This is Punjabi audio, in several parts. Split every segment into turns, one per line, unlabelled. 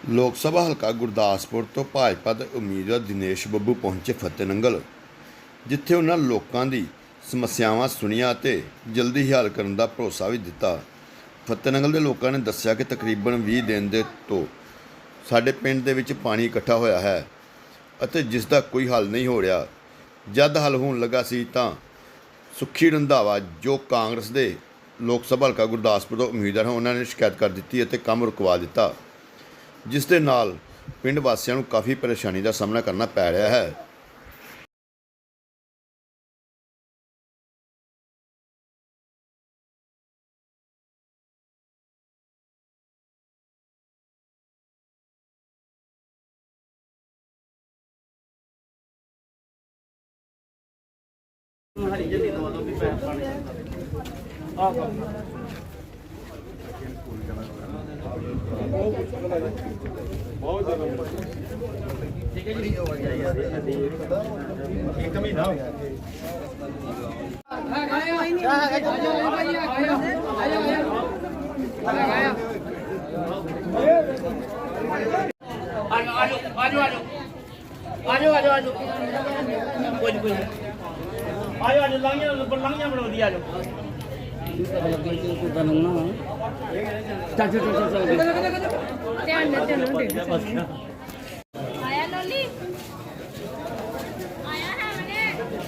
ਲੋਕ ਸਭਾ ਹਲਕਾ ਗੁਰਦਾਸਪੁਰ ਤੋਂ ਭਾਜਪਾ ਦੇ ਉਮੀਦਵਾਰ ਦਿਨੇਸ਼ ਬੱਬੂ ਪਹੁੰਚੇ ਫਤਿਹਨੰਗਲ, ਜਿੱਥੇ ਉਹਨਾਂ ਲੋਕਾਂ ਦੀ ਸਮੱਸਿਆਵਾਂ ਸੁਣੀਆਂ ਅਤੇ ਜਲਦੀ ਹੀ ਹੱਲ ਕਰਨ ਦਾ ਭਰੋਸਾ ਵੀ ਦਿੱਤਾ। ਫਤਿਹਨੰਗਲ ਦੇ ਲੋਕਾਂ ਨੇ ਦੱਸਿਆ ਕਿ ਤਕਰੀਬਨ 20 ਦਿਨ ਦੇ ਤੋਂ ਸਾਡੇ ਪਿੰਡ ਦੇ ਵਿੱਚ ਪਾਣੀ ਇਕੱਠਾ ਹੋਇਆ ਹੈ ਅਤੇ ਜਿਸ ਦਾ ਕੋਈ ਹੱਲ ਨਹੀਂ ਹੋ ਰਿਹਾ। ਜਦ ਹੱਲ ਹੋਣ ਲੱਗਾ ਸੀ ਤਾਂ ਸੁੱਖੀ ਰੰਧਾਵਾ, ਜੋ ਕਾਂਗਰਸ ਦੇ ਲੋਕ ਸਭਾ ਹਲਕਾ ਗੁਰਦਾਸਪੁਰ ਤੋਂ ਉਮੀਦਵਾਰ ਹਨ, ਉਹਨਾਂ ਨੇ ਸ਼ਿਕਾਇਤ ਕਰ ਦਿੱਤੀ ਅਤੇ ਕੰਮ ਰੁਕਵਾ ਦਿੱਤਾ, ਜਿਸ ਦੇ ਨਾਲ ਪਿੰਡ ਵਾਸੀਆਂ ਨੂੰ ਕਾਫੀ ਪਰੇਸ਼ਾਨੀ ਦਾ ਸਾਹਮਣਾ ਕਰਨਾ ਪੈ ਰਿਹਾ ਹੈ।
हरी जल्दी दवा दो भी पैर पानी ठीक है जी। एक महीना हो गया। आजो आयो आज लांगिया बना दिया आजो
आया लोली आया है मैंने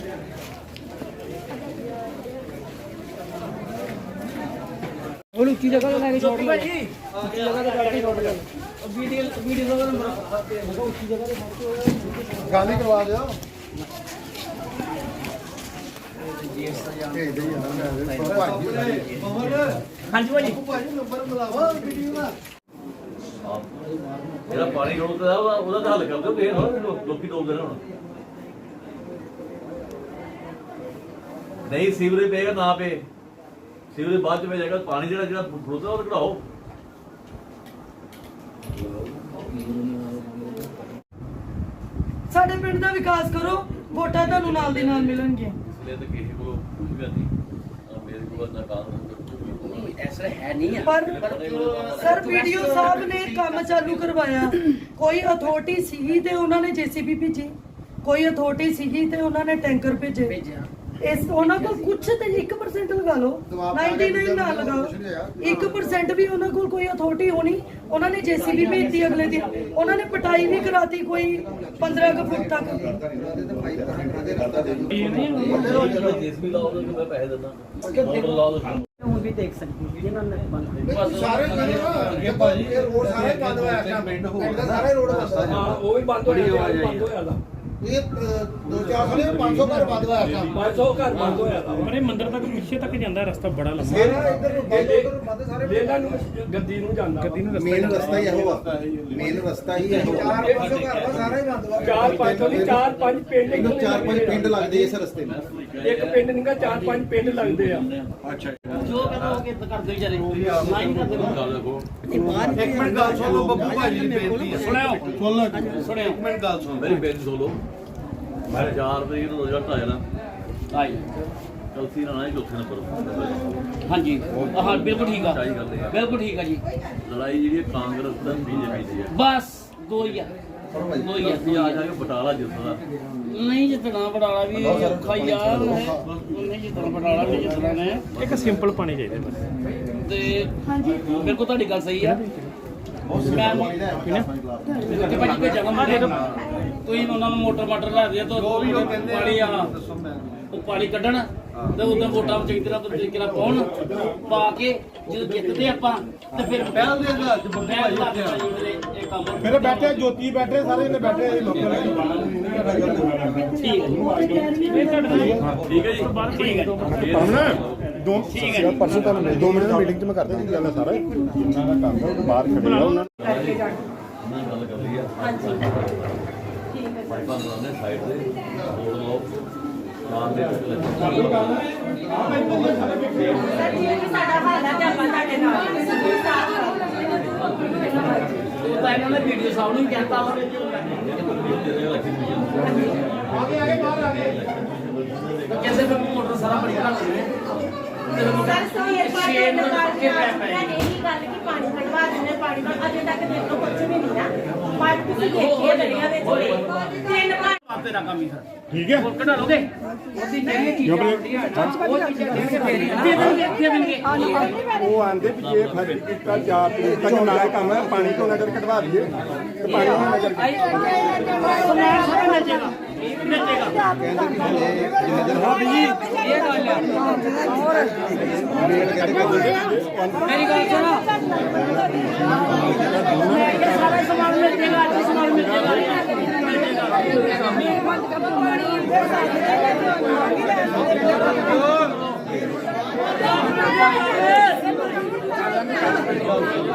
वो ऊंची जगह पे लेके छोड़ लो जी, ऊंची जगह पे जाके छोड़ लो। वीडियो का नंबर ऊंची जगह पे गाली करवा दो। हाँ जी भाजी
ਜਿਹੜਾ ਪਾਣੀ ਰੋਕਦਾ ਉਹਦਾ ਤਾਂ ਹੱਲ ਕਰ ਦਿਓ। ਫੇਰ ਲੋਕੀ ਡੋਬਦੇ ਨੇ ਹੁਣ। ਨਹੀਂ ਸੀਵਰੇਜ ਪਏਗਾ ਨਾ ਪਏ, ਸੀਵਰੇਜ ਬਾਅਦ ਚ ਪੈ ਜਾਏਗਾ। ਪਾਣੀ ਜਿਹੜਾ ਫਲੋਦਾ ਉਹ ਕਢਾਓ।
ਸਾਡੇ ਪਿੰਡ ਦਾ ਵਿਕਾਸ ਕਰੋ, ਵੋਟਾਂ ਤੁਹਾਨੂੰ ਨਾਲ ਦੀ ਨਾਲ ਮਿਲਣਗੀਆਂ।
ਇਸ ਲਈ ਤਾਂ ਕਿਸੇ ਕੋਲ ਕੁਝ ਵੀ ਨਹੀਂ ਆ। ਮੇਰੇ ਕੋਲ ਨਾ ਕਾਨੂੰਨ
ऐसा है नहीं है
ਪਰ ਸਰ ਵੀਡੀਓ ਸਾਹਿਬ ਨੇ ਕੰਮ ਚਾਲੂ ਕਰਵਾਇਆ। ਕੋਈ ਅਥਾਰਟੀ ਸੀਗੀ ਤੇ ਉਹਨਾਂ ਨੇ ਜੀਸੀਬੀ ਭੇਜੀ, ਕੋਈ ਅਥਾਰਟੀ ਸੀਗੀ ਤੇ ਉਹਨਾਂ ਨੇ ਟੈਂਕਰ ਭੇਜੇ। ਇਸ ਉਹਨਾਂ ਕੋਲ ਕੁਝ ਤੇ 1% ਲਗਾ ਲਓ, 99 ਨਾ ਲਗਾਓ, 1% ਵੀ ਉਹਨਾਂ ਕੋਲ ਕੋਈ ਅਥਾਰਟੀ ਹੋਣੀ। ਉਹਨਾਂ ਨੇ ਜੀਸੀਬੀ ਭੇਜਤੀ, ਅਗਲੇ ਦਿਨ ਉਹਨਾਂ ਨੇ ਪਟਾਈ ਵੀ ਕਰਾਤੀ ਕੋਈ 15 ਕੁ ਫੁੱਟ ਤੱਕ।
ਜੀਸੀਬੀ ਲਾਓ ਤਾਂ ਮੈਂ ਪੈਸੇ ਦਿੰਦਾ। ਮੋਟਰ ਲਾਓ ਤਾਂ
ਹੁਣ ਵੀ ਦੇਖ ਸਕਦੇ ਜਿਹਨਾਂ ਨੇ ਬੰਦ
ਸਾਰੇ ਅੱਗੇ ਭਾਜੀ ਇਹ ਰੋਡ ਸਾਰੇ ਬੰਦ ਹੋਇਆ ਪਿੰਡ ਸਾਰੇ ਰੋਡ ਬੰਦ
ਹਾਂ ਉਹ ਵੀ ਬੰਦ ਹੋਇਆ ਦਾ
ਇਹ 2-4 ਸਾਲੇ 500 ਘਰ ਬੰਦ ਹੋਇਆ ਕੰਮ
500 ਘਰ ਬੰਦ ਹੋਇਆ ਦਾ।
ਅਰੇ ਮੰਦਿਰ ਤੱਕ ਪਿੱਛੇ ਤੱਕ ਜਾਂਦਾ ਰਸਤਾ ਬੜਾ ਲੰਮਾ।
ਮੇਰਾ ਇੱਧਰ ਨੂੰ ਬੰਦ ਉੱਧਰ ਬੰਦ ਸਾਰੇ
ਵੇਲਾ ਨੂੰ ਗੱਦੀ ਨੂੰ ਜਾਂਦਾ,
ਗੱਦੀ ਨੂੰ
ਮੇਨ ਰਸਤਾ ਹੀ ਇਹੋ ਆ, ਮੇਨ ਰਸਤਾ ਹੀ ਇਹੋ ਆ। 4-500 ਘਰ ਦਾ ਸਾਰਾ ਹੀ ਬੰਦ ਹੋਇਆ।
4-5 ਪਿੰਡ
ਇਹਨੂੰ 4-5 ਪਿੰਡ ਲੱਗਦੇ ਇਸ ਰਸਤੇ ਨੂੰ।
ਇੱਕ ਪਿੰਡ ਨਿਕਾ 4-5 ਪਿੰਡ ਲੱਗਦੇ ਆ।
ਜੋ ਕਹਿੰਦਾ ਉਹ ਕਿੱਦ ਕਰਦੇ ਵਿਚਾਰੇ ਨਾ ਹੀ ਕਰਦੇ।
ਗੱਲ ਦੇਖੋ।
ਇੱਕ ਮਿੰਟ ਗੱਲ ਸੁਣ ਲਓ ਬੱਬੂ ਭਾਜੀ ਦੀ ਬੇਨਤੀ ਹੈ। ਸੁਣਿਓ ਇੱਕ ਮਿੰਟ ਗੱਲ ਸੁਣ।
ਮੇਰੀ ਬੇਨਤੀ ਸੁਣ ਲਓ। ਮੈਂ 4 ਵਜੇ ਨੂੰ ਰੋਜ਼ਾ ਢਾਇਆ ਨਾ
ਹਾਂਜੀ
ਚੌਥੀ ਨਾਲ ਆਏ ਚੌਥੇ ਨੰਬਰ।
ਹਾਂਜੀ ਹਾਂ ਬਿਲਕੁਲ ਠੀਕ ਆ,
ਸਹੀ ਗੱਲ ਹੈ।
ਬਿਲਕੁਲ ਠੀਕ ਆ ਜੀ।
ਲੜਾਈ ਜਿਹੜੀ ਹੈ ਕਾਂਗਰਸ ਤੇ ਬੀਜੇਪੀ ਦੀ ਹੈ।
ਬਸ ਦੋ ਹੀ ਆ, ਦੋ ਹੀ ਆ।
ਅਸੀਂ ਆ ਜਾ ਕੇ ਬਟਾਲਾ ਜਿੱਤਦਾ।
ਨਹੀਂ ਜਿੱਤਣਾ ਬਟਾਲਾ ਵੀ ਔਖਾ ਹੀ ਆ। ਨਹੀਂ ਜਿੱਤਣਾ ਬਟਾਲਾ ਵੀ ਜਿੱਤਣਾ ਨੇ।
ਇੱਕ ਸਿੰਪਲ ਪਾਣੀ ਚਾਹੀਦਾ ਬਸ।
ਤੇ ਬਿਲਕੁਲ ਤੁਹਾਡੀ ਗੱਲ ਸਹੀ ਆ। ਮੈਂ ਤੇ ਭਾਜੀ ਕੋਈ ਜਗ੍ਹਾ ਮਾਰੇ ਤੁਸੀਂ ਉਹਨਾਂ ਨੂੰ ਮੋਟਰ ਲਾ ਦਿਆ ਤਾਂ ਪਾਣੀ ਆ ਉਹ ਪਾਣੀ ਕੱਢਣ ਤੇ ਉਦੋਂ ਵੋਟਾਂ ਚੰਗੀ ਤਰ੍ਹਾਂ ਤਰੀਕੇ ਨਾਲ ਪਾਉਣ, ਪਾ ਕੇ ਜਦੋਂ ਜਿੱਤਦੇ ਆਪਾਂ ਤੇ ਫਿਰ ਪਹਿਲ ਦੇ ਇਹ ਕੰਮ
ਮੇਰੇ ਬੈਠੇ ਜੋਤੀ ਬੈਠੇ ਸਾਰੇ ਨੇ ਬੈਠੇ ਲੋਕਾਂ ਨੇ
ਠੀਕ ਹੈ ਜੀ।
ਠੀਕ ਹੈ ਜੀ।
ਠੀਕ ਹੈ ਜੀ।
ਪਰਸੋਂ ਤੁਹਾਨੂੰ 2 ਮਿੰਟ ਦੀ ਮੀਟਿੰਗ 'ਚ ਮੈਂ ਕਰਦਾ ਜੀ ਗੱਲ ਸਾਰਾ ਇਹਨਾਂ ਦਾ ਕੰਮ ਹੈ। ਬਾਹਰ ਖੜੇ ਆ ਉਹਨਾਂ
ਮੈਂ ਗੱਲ ਕਰ ਲਈ ਆ। ਪਾਈਪਾਂ ਬਣਾਉਂਦੇ ਸਾਈਡ ਤੇ ਰੋਡ ਲਾਓ ਨਾਮ ਦੇ
ਸਰ ਜਿਵੇਂ ਕਿ ਸਾਡਾ ਹਾਲ ਹੈ ਤੇ ਆਪਾਂ ਤੁਹਾਡੇ ਨਾਲ
ਉਹ ਤਾਂ ਇਹਨਾਂ ਨੇ ਵੀਡੀਓ ਸਾਹਿਬ ਨੂੰ ਕਹਿਤਾ ਵਾ ਕਹਿੰਦੇ ਫਿਰ ਮੋਟਰ ਸਾਰਾ ਬੜੀ ਘੱਟ ਹੈ।
ਸਰ ਸੋ ਇਹ ਪਾਣੀ ਦੇ ਨਾਲ
ਗੱਲ ਕਿ ਪਾਣੀ ਕਢਵਾ ਦਿੰਦੇ ਪਾਣੀ ਨਾਲ ਅਜੇ ਤੱਕ ਦੇਖੋ ਕੁਝ ਵੀ ਨਹੀਂ ਨਾ ਪਾਣੀ ਤੁਸੀਂ ਦੇਖੀਏ ਦਰਿਆ ਵਿੱਚ ਤਿੰਨ ਵਾਰ
ਤੇਰਾ ਕੰਮ ਹੀ ਸਰ
ਠੀਕ ਹੈ
ਹੋਰ ਕਢਾ ਲੋਗੇ ਉਹਦੀ ਜਿਹੜੀ ਚੀਜ਼ਾਂ ਹੁੰਦੀਆਂ ਨਾ ਉਹ ਚੀਜ਼ਾਂ ਦੇਣਗੇ ਫੇਰ ਦੇਣਗੇ
ਉਹ ਆਂਦੇ ਵੀ ਜੇ ਫਰਜ਼ ਕੀਤਾ 4 ਤਰੀਕ ਤੱਕ ਨਾ ਕੰਮ ਹੈ ਪਾਣੀ ਤੋਂ ਨਜ਼ਰ ਕਢਵਾ ਦਈਏ ਤੇ ਪਾਣੀ ਤੋਂ ਨਜ਼ਰ
ਮੇਰੀ ਗੱਲ ਸੁਣੋ
ਸਾਰਾ ਸਮਾਨ ਮਿਲ ਜਾਏਗਾ ਅੱਜ ਸਮਾਨ ਮਿਲ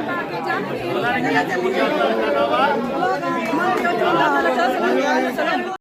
ਜਾਏਗਾ